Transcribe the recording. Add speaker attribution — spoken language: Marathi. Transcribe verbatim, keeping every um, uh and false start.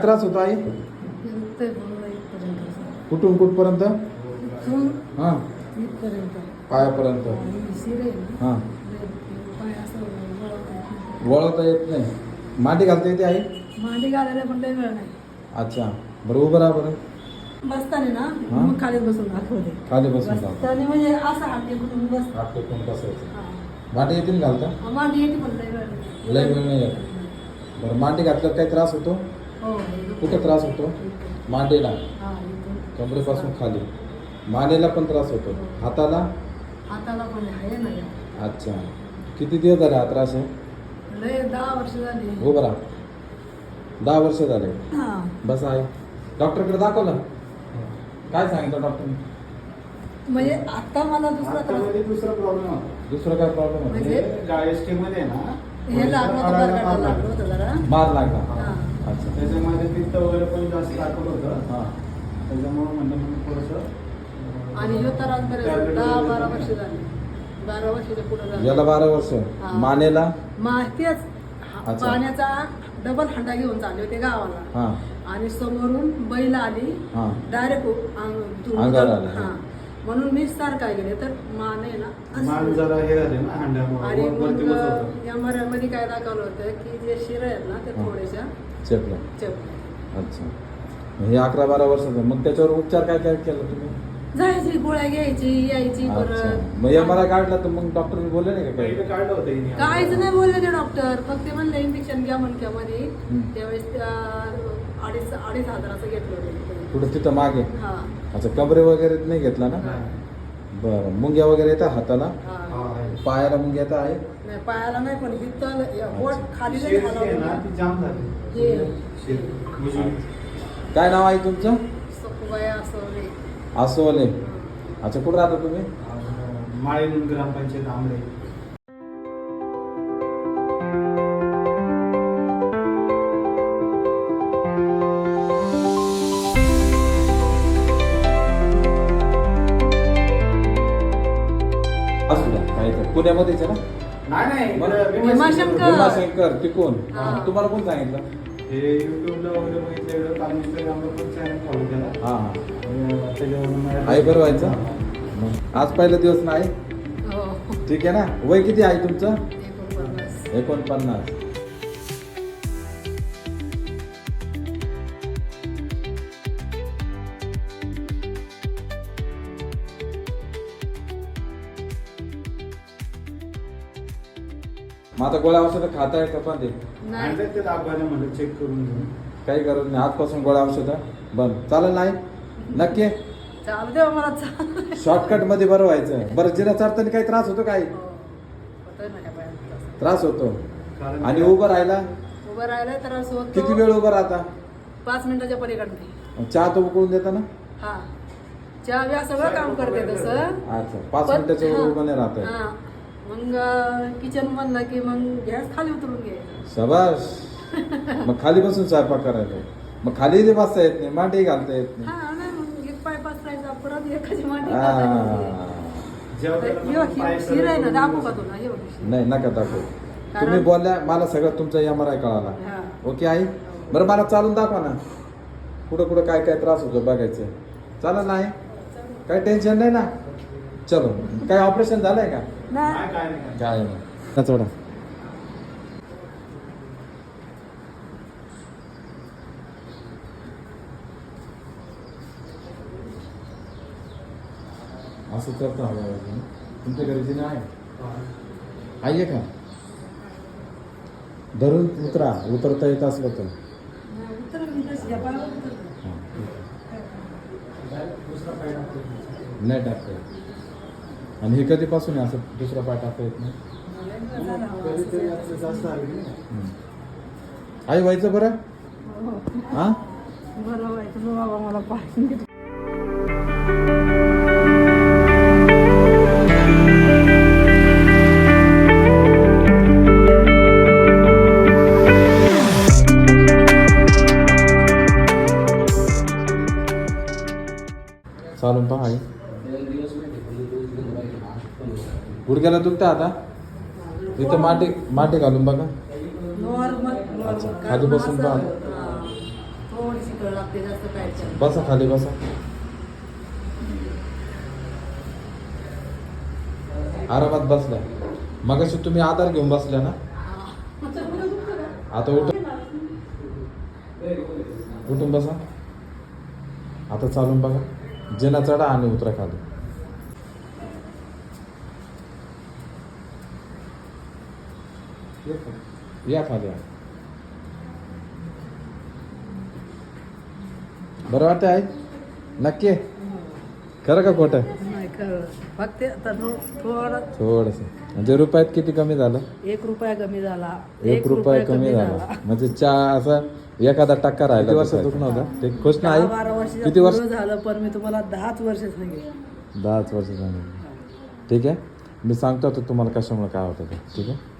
Speaker 1: त्रास होतो आई? कुठून कुठपर्यंत? हा पायापर्यंत. हा वळवता येत नाही. मांडी घालता येते आई?
Speaker 2: मांडी घालायला पण लय वेळ नाही.
Speaker 1: अच्छा बरं उभं राहा बरं.
Speaker 2: बसताना ना मग खाली बसून दाखवते.
Speaker 1: खाली बसून
Speaker 2: बसताना म्हणजे असं हात टेकून बस.
Speaker 1: हात टेकून बसायचं. मांडी येतील घालता?
Speaker 2: मांडी येते पण लय वेळ नाही.
Speaker 1: लय वेळ नाही येत. बरं मांडी घातल्यावर काही त्रास होतो?
Speaker 2: हो.
Speaker 1: कुठं त्रास होतो? मांडीला,
Speaker 2: हा इथून.
Speaker 1: कमरेपासून खाली. मानेला पण त्रास होतो. हाताला?
Speaker 2: हाताला पण आहे ना.
Speaker 1: अच्छा किती दिवस झाले हा त्रास आहे?
Speaker 2: लय दहा वर्ष झाली.
Speaker 1: उभं राहा. दहा वर्ष झाले.
Speaker 2: हा
Speaker 1: बस आहे. डॉक्टरकडे दाखवलं? काय सांगितलं डॉक्टरने?
Speaker 2: म्हणजे आता मला दुसरा त्रास.
Speaker 3: दुसरा प्रॉब्लेम होता.
Speaker 1: दुसरा काय प्रॉब्लेम होता?
Speaker 2: म्हणजे
Speaker 3: डायजेस्टिव्ह मध्ये ना
Speaker 2: हे लागलं होतं बरं लागलं होतं जरा.
Speaker 1: मार लागला.
Speaker 2: हा.
Speaker 1: अच्छा
Speaker 3: त्याच्यामध्ये पित्त वगैरे पण जास्त दाखवलं होतं.
Speaker 1: हा
Speaker 3: त्याच्यामुळे म्हणलं मी थोडंसं
Speaker 2: आणि ह्यो त्रास बरेच दहा बारा वर्ष झाली. बारा वर्षाच्या पुढे झालं.
Speaker 1: याला बारा वर्ष.
Speaker 2: हा.
Speaker 1: मानेला?
Speaker 2: माहितीच
Speaker 1: अच्छा.
Speaker 2: पाण्याचा डबल हंडा घेऊन चालले होते गावाला.
Speaker 1: हा
Speaker 2: आणि समोरून बैल आली
Speaker 1: हा
Speaker 2: डायरेक्ट
Speaker 1: अंगावर आली.
Speaker 2: हा म्हणून मी सारखा गेले तर मान आहे ना
Speaker 3: मान
Speaker 2: असं.
Speaker 3: जरा हे झाले ना
Speaker 2: आणि
Speaker 3: हंड्यामुळे
Speaker 2: मग
Speaker 3: वरती बसत होतं.
Speaker 2: या मऱ्यामध्ये काय दाखवलं होतं की जे शिर आहेत ना ते
Speaker 1: हा.
Speaker 2: थोड्याशा
Speaker 1: चेपला.
Speaker 2: चप
Speaker 1: अच्छा हे अकरा बारा वर्षाचं. मग त्याच्यावर उपचार काय काय केलं तुम्ही?
Speaker 2: जायची गोळ्या घ्यायची यायची
Speaker 1: अच्छा
Speaker 2: परत.
Speaker 1: मग या मला काढला तर मग डॉक्टरने बोलले नाही का काही?
Speaker 3: पहिलं काढलं होतं हिने.
Speaker 2: काहीच नाही बोलले ते डॉक्टर. फक्त ते म्हणले इंजेक्शन घ्या मणक्यामध्ये.
Speaker 1: हम्म.
Speaker 2: त्यावेळेस त्या अडीच अडीच हजाराचं घेतलं होतं.
Speaker 1: कुठं तिथं मागे?
Speaker 2: हा
Speaker 1: अच्छा कमरे वगैरे नाही घेतला ना?
Speaker 3: नाही.
Speaker 1: बरं मुंग्या वगैरे येतात हाताला?
Speaker 2: हा
Speaker 3: हा, आहे.
Speaker 1: पायाला मुंग्या येतात आहे?
Speaker 2: नाही पायाला नाही पण इथं पोट
Speaker 1: अच्छा.
Speaker 2: खाली
Speaker 3: शिर
Speaker 2: नाही
Speaker 3: जी आहे ना
Speaker 2: घालावं.
Speaker 3: ती जाम झाली.
Speaker 2: हे
Speaker 3: शिर उजवी.
Speaker 1: काय नाव आहे तुमचं?
Speaker 2: सखुबाया असं रे.
Speaker 1: आसोले. अच्छा कुठं राहता तुम्ही?
Speaker 3: अं, माळीण ग्रामपंचायत आंबळे.
Speaker 1: असू द्या काय तर. पुण्यामध्येच आहे ना?
Speaker 3: नाही नाही
Speaker 1: मला-
Speaker 3: इकडं
Speaker 2: भीमाशंकर.
Speaker 1: भीमाशंकर तिकोण.
Speaker 2: हा.
Speaker 1: तुम्हाला कोण सांगितलं?
Speaker 3: हे युट्यूबला वगैरे बघितलं एवढं काल इंस्टाग्रामला पण चॅनल फॉलो केला.
Speaker 1: हा हा
Speaker 3: आणि त्याच्यावरून मला-
Speaker 1: आई बरं व्हायचं? मग आज पहिला दिवस नाही
Speaker 2: हो
Speaker 1: ठीक आहे ना? वय किती आहे तुमचं?
Speaker 2: एकोणपन्नास.
Speaker 1: एकोणपन्नास. मग आता गोळ्या औषधं खाताय का पण ते?
Speaker 2: नाही
Speaker 3: आणलं ते दाखवायला म्हणलं चेक करून घेऊन.
Speaker 1: काही गरज नाही. आजपासून गोळ्या औषधं बंद. चालेल नाही? नक्की
Speaker 2: चालू दे मला चालू.
Speaker 1: शॉर्टकट मध्ये बरं व्हायचं. बरं जिरा चढताना काही त्रास होतो काही?
Speaker 2: होतोय ना काय पायात.
Speaker 1: त्रास होतो.
Speaker 3: कारण
Speaker 1: आणि उभं राहायला
Speaker 2: उभं राहिलं तर असं होतं.
Speaker 1: किती वेळ उभं राहता?
Speaker 2: पाच मिनिटाच्या पलीकडे.
Speaker 1: चहा तो उकळून देता ना?
Speaker 2: हा चहा बिहा सगळं काम करते तसं.
Speaker 1: अच्छा पाच
Speaker 2: पण-
Speaker 1: मिनिटाच्या वर
Speaker 2: हा.
Speaker 1: उभं नाही राहत.
Speaker 2: हा. मग किचन म्हणलं की मग गॅस खाली उतरून घ्यायचं.
Speaker 1: शबाश. मग खाली बसून स्वयंपाक करायचा. मग खाली ते बसता येत नाही. मांडी घालता येत नाही.
Speaker 2: हा नाही मग एक पाय पसरायचा परत एखादी मांडी
Speaker 1: आ.
Speaker 2: घालायची.
Speaker 3: जेवताना
Speaker 2: यो,
Speaker 3: पण पाय
Speaker 2: हि- शिर आहे ना
Speaker 3: सरळ
Speaker 2: दाखवू
Speaker 3: करून
Speaker 2: का तुला एवढी?
Speaker 1: नाही नका दाखवू.
Speaker 2: कारण-
Speaker 1: तुम्ही बोलल्या मला सगळं तुमचा एम आर आय कळाला.
Speaker 2: हा.
Speaker 1: ओके आई? बरं मला चालून दाखवा ना. कुठं कुठं काय काय त्रास होतो बघायचं. चालेल नाही? काही टेन्शन नाही ना? चलो काय ऑपरेशन झालंय का?
Speaker 2: नाही
Speaker 3: नाही, काय नाही, काय
Speaker 1: काय नाही. चढा. असं करता हवं. तुमच्या घरी जिने आहे?
Speaker 3: नाही.
Speaker 1: आहे का? धरून उतरा. उतरता येत असलं तर.
Speaker 2: उतर मी तशी या पायावर उतर.
Speaker 1: हां.
Speaker 3: Direct दुसरा पाय टाकतो.
Speaker 1: नाही टाकता येत. आणि हे कधीपासून आहे असं दुसरा पाय टाकता येत नाही?
Speaker 2: झालं हवं
Speaker 3: कधीतरी
Speaker 2: असं.
Speaker 3: असं जास्त आलं की नाही.
Speaker 1: हम्म. आई व्हायचं बरं?
Speaker 2: हो.
Speaker 1: हा
Speaker 2: बरं व्हायचं बाबा मला पाय.
Speaker 1: चालून पहा आई. गुडघ्याला दुखतं आता? इथं माटी माटी घालून बघा.
Speaker 2: नॉर्मल
Speaker 1: अच्छा, खाली बसून पहा.
Speaker 2: लागते जास्त काय
Speaker 1: बसा खाली बसा. आरामात बसला. मगाशी तुम्ही आधार घेऊन बसल्या ना. आता उठ उठून बसा. आता चालून बघा. जिना चढा आणि उतरा खाली. या खाली या. बरं वाटतं आहे नक्की आहे? खरं का खोटं?
Speaker 2: नाही खरं फक्त आता थोडं
Speaker 1: थोडस म्हणजे रुपयात किती कमी झालं?
Speaker 2: एक रुपया कमी झाला.
Speaker 1: एक रुपया कमी झाला म्हणजे चहा असं एखादा टक्का राहिला. किती वर्ष दुखणं होतं ते खुश
Speaker 2: दहा
Speaker 1: नाही?
Speaker 2: बारा वर्ष
Speaker 1: किती वर्ष?
Speaker 2: झालं पण मी तुम्हाला दहाच वर्ष सांगितलं.
Speaker 1: दहाच वर्ष सांगितलं. ठीक आहे मी सांगतो आता तुम्हाला कशामुळे काय होतं ते. ठीक आहे